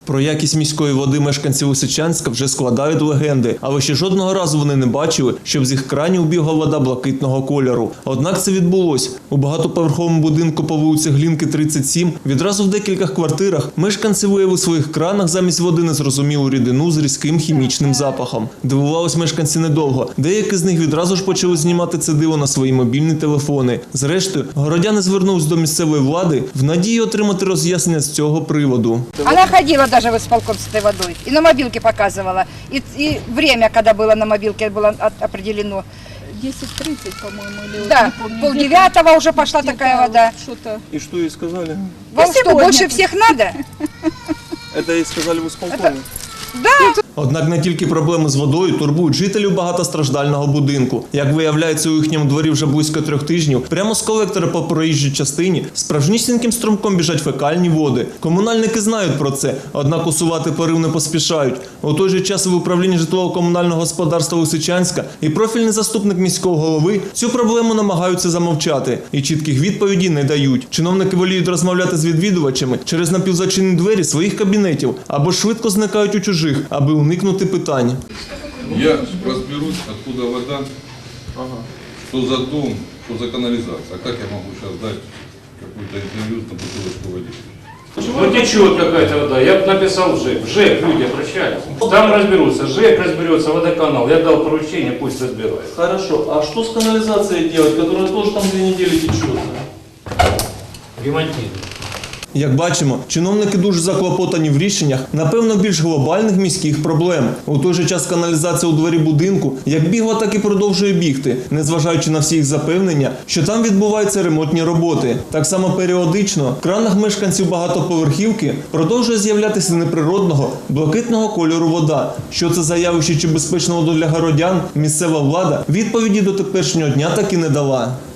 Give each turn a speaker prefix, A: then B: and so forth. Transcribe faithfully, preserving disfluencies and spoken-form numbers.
A: Про якість міської води мешканці Лисичанська вже складають легенди, але ще жодного разу вони не бачили, щоб з їх кранів бігла вода блакитного кольору. Однак це відбулось. У багатоповерховому будинку по вулиці Глінки, тридцять сім, відразу в декількох квартирах мешканці виявили в своїх кранах замість води незрозумілу рідину з різким хімічним запахом. Дивувались мешканці недовго. Деякі з них відразу ж почали знімати це диво на свої мобільні телефони. Зрештою, городяни звернулись до місцевої влади в надії отримати роз'яснення з цього приводу.
B: Она ходила даже в исполком с этой водой. И на мобилке показывала. И, и время, когда было на мобилке, было от- определено.
C: десять тридцать, по-моему, или
B: Да,
C: не помню.
B: полдевятого уже пошла такая вода.
C: Что-то.
A: И что ей сказали?
B: Вам что,
C: сегодня
B: больше
C: тут.
B: всех надо?
A: Это ей сказали в исполкоме?
B: Да.
A: Однак не тільки проблеми з водою турбують жителів багатостраждального будинку. Як виявляється, у їхньому дворі вже близько трьох тижнів прямо з колектора по проїжджій частині справжнісіньким струмком біжать фекальні води. Комунальники знають про це, однак усувати порив не поспішають. У той же час в управлінні житлово-комунального господарства Лисичанська і профільний заступник міського голови цю проблему намагаються замовчати і чітких відповідей не дають. Чиновники воліють розмовляти з відвідувачами через напівзачинені двері своїх кабінетів або швидко зникають у чужих, аби уникнути питань.
D: Я разберусь, откуда вода, что за дом, что за канализация. А как я могу сейчас дать какую-то интервью на бутылочку водички?
E: Ну течет какая-то вода, я бы написал в ЖЭК, в ЖЭК люди обращаются. Там разберутся, ЖЭК разберется, водоканал, я дал поручение, пусть разбирается.
A: Хорошо, а что с канализацией делать, которая тоже там две недели течет?
E: Ремонтируют.
A: Як бачимо, чиновники дуже заклопотані в рішеннях, напевно, більш глобальних міських проблем. У той же час каналізація у дворі будинку як бігла, так і продовжує бігти, незважаючи на всі їх запевнення, що там відбуваються ремонтні роботи. Так само періодично в кранах мешканців багатоповерхівки продовжує з'являтися неприродного, блакитного кольору вода. Що це за явище чи безпечна вода для городян, місцева влада відповіді до теперішнього дня так і не дала.